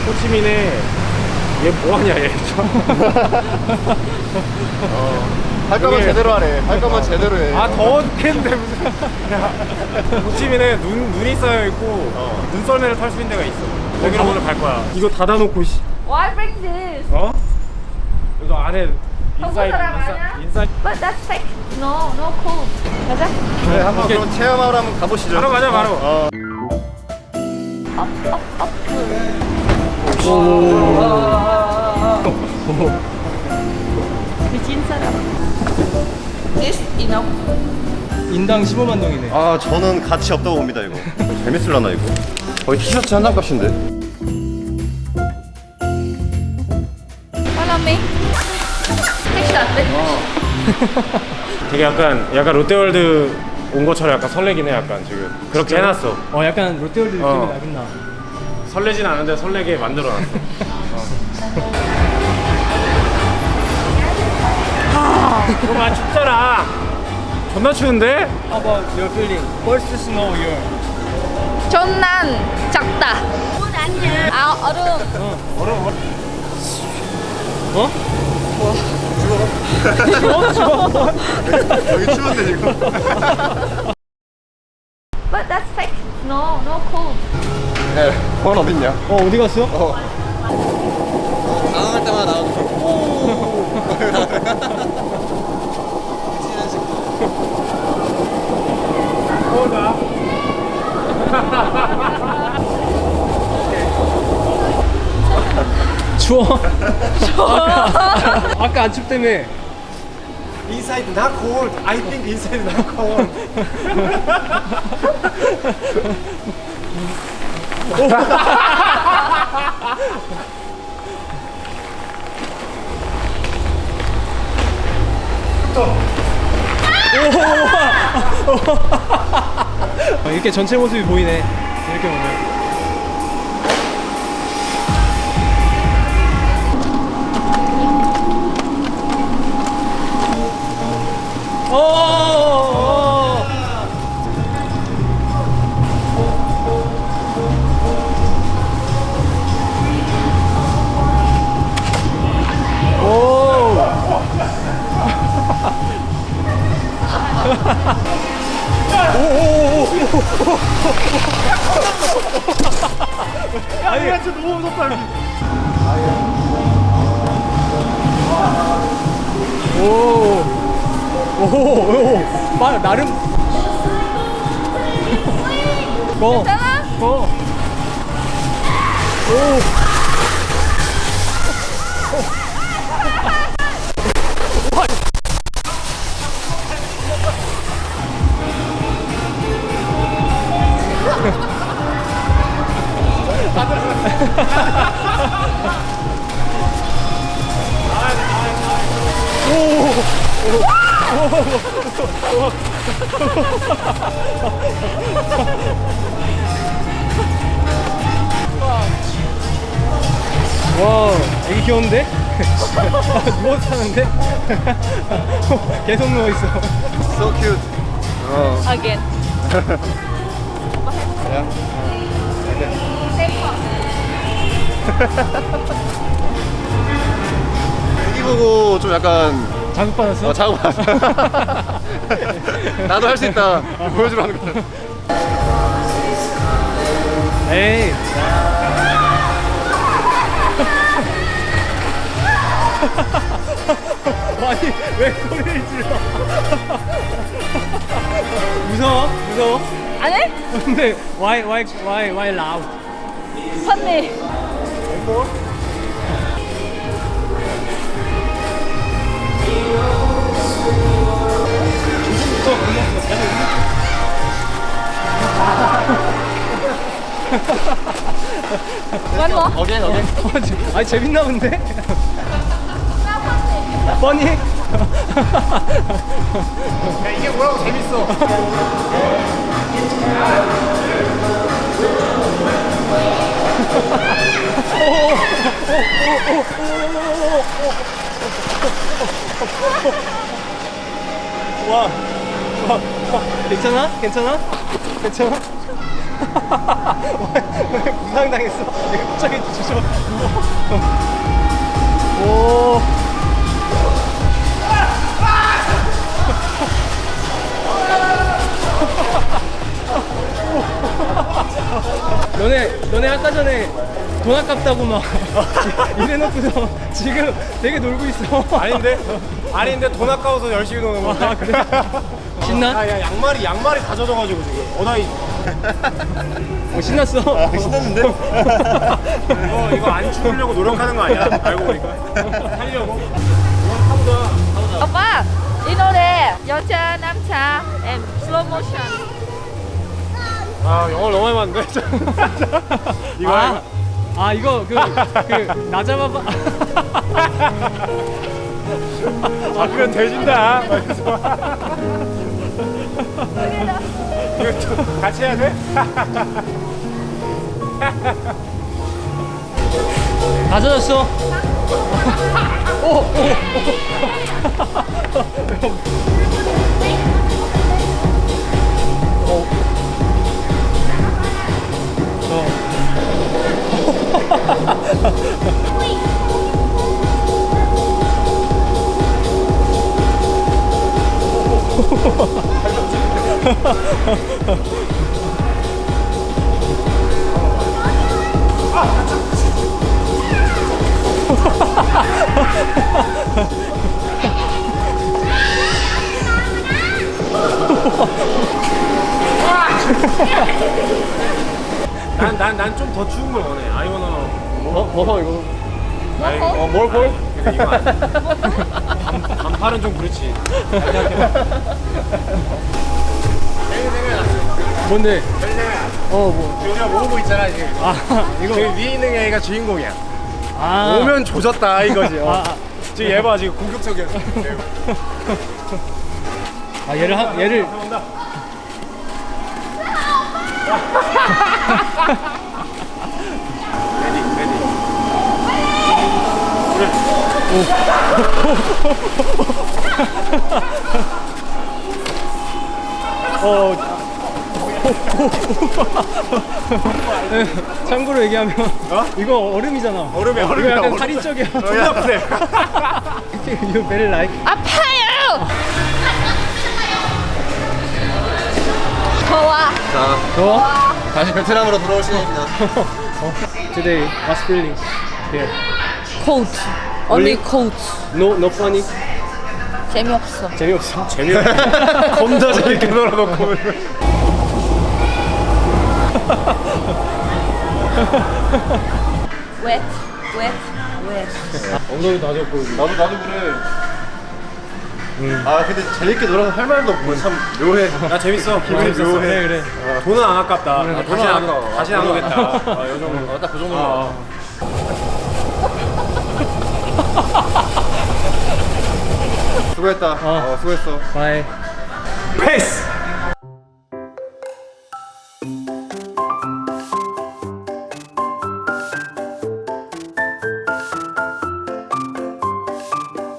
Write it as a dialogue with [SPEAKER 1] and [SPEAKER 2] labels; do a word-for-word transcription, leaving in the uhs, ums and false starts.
[SPEAKER 1] 호치민에 얘 뭐하냐 얘.
[SPEAKER 2] 어. 할 거면
[SPEAKER 1] 여기-
[SPEAKER 2] 제대로 하래. 할 거면 제대로 해.
[SPEAKER 1] 아 더워 죽겠는데 무슨. 야, 호치민에 눈, 눈이 쌓여있고
[SPEAKER 2] 어.
[SPEAKER 1] 눈썰매를 탈 수 있는 데가 있어. 거기로 오늘 갈 거야. 이거 닫아놓고 씨.
[SPEAKER 3] Why break this?
[SPEAKER 1] 어? 이거 안에
[SPEAKER 3] 한국
[SPEAKER 1] 인사이드
[SPEAKER 3] 사람 아니야?
[SPEAKER 1] 인사이드
[SPEAKER 3] But that's fake. No, no cool. 가자.
[SPEAKER 2] 네, 한번
[SPEAKER 1] 오케이.
[SPEAKER 2] 그럼 체험하러 한번 가보시죠.
[SPEAKER 1] 바로 가자 바로.
[SPEAKER 2] 어.
[SPEAKER 3] 업, 업, 업. 미친 사람. This enough.
[SPEAKER 4] 인당 십오만 동이네.
[SPEAKER 2] 아, 저는 가치 없다고 봅니다, 이거. 재밌을라나, 이거? 거의 티셔츠 한 장 값인데?
[SPEAKER 3] Follow me. Take shot, bitch.
[SPEAKER 1] 되게 약간 약간 롯데월드 온 것처럼 약간 설레긴 해 약간 지금. 그렇게 해놨어.
[SPEAKER 4] 어, 약간 롯데월드 느낌이
[SPEAKER 1] 어.
[SPEAKER 4] 나긴 나.
[SPEAKER 1] 설레진 않은데 설레게 만들어놨어. 어. 아 춥잖아. 존나 추운데?
[SPEAKER 4] How about your feeling? First snow year.
[SPEAKER 3] 전난 작다. 아니야. 아, 얼음.
[SPEAKER 1] 얼음 얼음.
[SPEAKER 4] 어?
[SPEAKER 2] 여기 추운데, 지금?
[SPEAKER 3] But that's fake. No, no cool.
[SPEAKER 2] 네, 원 어딨냐?
[SPEAKER 4] 어, 어디 갔어?
[SPEAKER 2] 어. 당황할 때마다 나오는
[SPEAKER 1] 더울까?
[SPEAKER 4] 추워. 아까, 아까 안 춥다며.
[SPEAKER 1] Inside not cold. I think inside not cold.
[SPEAKER 4] 어, 이렇게 전체 모습이 보이네. 이렇게 보면. 오!
[SPEAKER 1] 아니 진짜 너무 무섭다 여기.
[SPEAKER 4] 오! 오! 오! 마, 나름. 고!
[SPEAKER 3] 괜찮아?
[SPEAKER 4] 고! 오! 와, 애기 귀여운데? 누워서 사는데? 계속 누워있어.
[SPEAKER 2] So cute. 어.
[SPEAKER 3] Again.
[SPEAKER 2] 그냥? 애기 보고 좀 약간
[SPEAKER 4] 자극받았어?
[SPEAKER 2] 어, 작업 나도 할 수 있다 보여주라는 거야.
[SPEAKER 4] 에이. 아니, 왜 소리를 질러? 무서워? 무서워?
[SPEAKER 3] 안 해?
[SPEAKER 4] 근데 why why why why loud?
[SPEAKER 3] Funny. One more.
[SPEAKER 2] 어게인 어게인.
[SPEAKER 4] 아니 재밌나 본데? 뻔히?
[SPEAKER 1] 야 이게 뭐라고 재밌어.
[SPEAKER 4] 와, 와, 와, 괜찮아? 괜찮아? 괜찮아? 왜 부상당했어? 이거 갑자기 주저. 오. 너네 너네 아까 전에 돈 아깝다고 막 이래놓고서 지금 되게 놀고 있어.
[SPEAKER 1] 아닌데? 아닌데 돈 아까워서 열심히 노는 건데.
[SPEAKER 4] 아, 그래? 신나?
[SPEAKER 1] 아, 야, 양말이 양말이 다 젖어가지고 지금. 어나 이
[SPEAKER 4] 어, 신났어.
[SPEAKER 2] 아, 신났는데?
[SPEAKER 1] 이거 이거 안 추우려고 노력하는 거 아니야? 알고 보니까. 살려고.
[SPEAKER 3] 오빠 이 노래 여자 남자 and slow motion.
[SPEAKER 1] 아 영어를 너무 많이 봤는데. 이거
[SPEAKER 4] 아, 아 이거 그 그 나잡아봐.
[SPEAKER 1] 아 그건 돼진다. 이거 또 같이 해야 돼?
[SPEAKER 4] 다 젖었어. 오, 오,
[SPEAKER 1] 난난 난 좀 더 추운 걸 원해. 아이워너.
[SPEAKER 4] 어, 어 이거.
[SPEAKER 1] 아이,
[SPEAKER 3] 뭐?
[SPEAKER 1] 어, 뭘 뭘? 근데 이거 아니야. 반, 반팔은 좀 그렇지.
[SPEAKER 4] 뭔데? 어, 뭐.
[SPEAKER 1] 우리가 모으고 있잖아 지금.
[SPEAKER 4] 아, 이거.
[SPEAKER 1] 저기 위에 있는 애가 주인공이야.
[SPEAKER 4] 아.
[SPEAKER 1] 오면 조졌다 이거지. 어.
[SPEAKER 4] 아, 아.
[SPEAKER 1] 지금 얘 봐 지금 공격적이었어.
[SPEAKER 4] 아, 얘를 한 얘를.
[SPEAKER 1] 온다. 레디 레디.
[SPEAKER 4] 어. 참고로 얘기하면
[SPEAKER 1] 어?
[SPEAKER 4] 이거 얼음이잖아.
[SPEAKER 1] 얼음이야
[SPEAKER 4] 이거
[SPEAKER 1] 얼음이야.
[SPEAKER 4] 약간 살인 쪽이야.
[SPEAKER 1] 존나 아프네.
[SPEAKER 4] You very like.
[SPEAKER 3] 아파요. 더워.
[SPEAKER 2] 자,
[SPEAKER 4] 더워?
[SPEAKER 2] 다시 베트남으로 돌아올 시간입니다.
[SPEAKER 4] Today, what's feeling here?
[SPEAKER 3] Cold. Only cold.
[SPEAKER 4] No, no funny.
[SPEAKER 3] 재미없어.
[SPEAKER 4] 재미없어.
[SPEAKER 1] 재미없어. 겁나 재밌게 놀아놓고.
[SPEAKER 3] Wet, wet, wet.
[SPEAKER 1] 엉덩이 다 젖고.
[SPEAKER 2] 나도 나도 그래. 아 근데 재밌게 놀아서 할 말도 없고 참 묘해.
[SPEAKER 1] 나 재밌어. 기분
[SPEAKER 4] 그래,
[SPEAKER 1] 재밌었어.
[SPEAKER 4] 그래, 그래.
[SPEAKER 1] 어, 돈은 안 아깝다. 아,
[SPEAKER 2] 돈은
[SPEAKER 1] 다시
[SPEAKER 2] 안
[SPEAKER 1] 안
[SPEAKER 2] 아까워.
[SPEAKER 1] 다시 안
[SPEAKER 2] 돈은
[SPEAKER 1] 오겠다. 아, 요 정도.
[SPEAKER 2] 어, 딱그 정도만.
[SPEAKER 1] 어, 어.
[SPEAKER 2] 수고했다.
[SPEAKER 4] 어.
[SPEAKER 2] 어, 수고했어.
[SPEAKER 4] Bye.
[SPEAKER 1] 패스.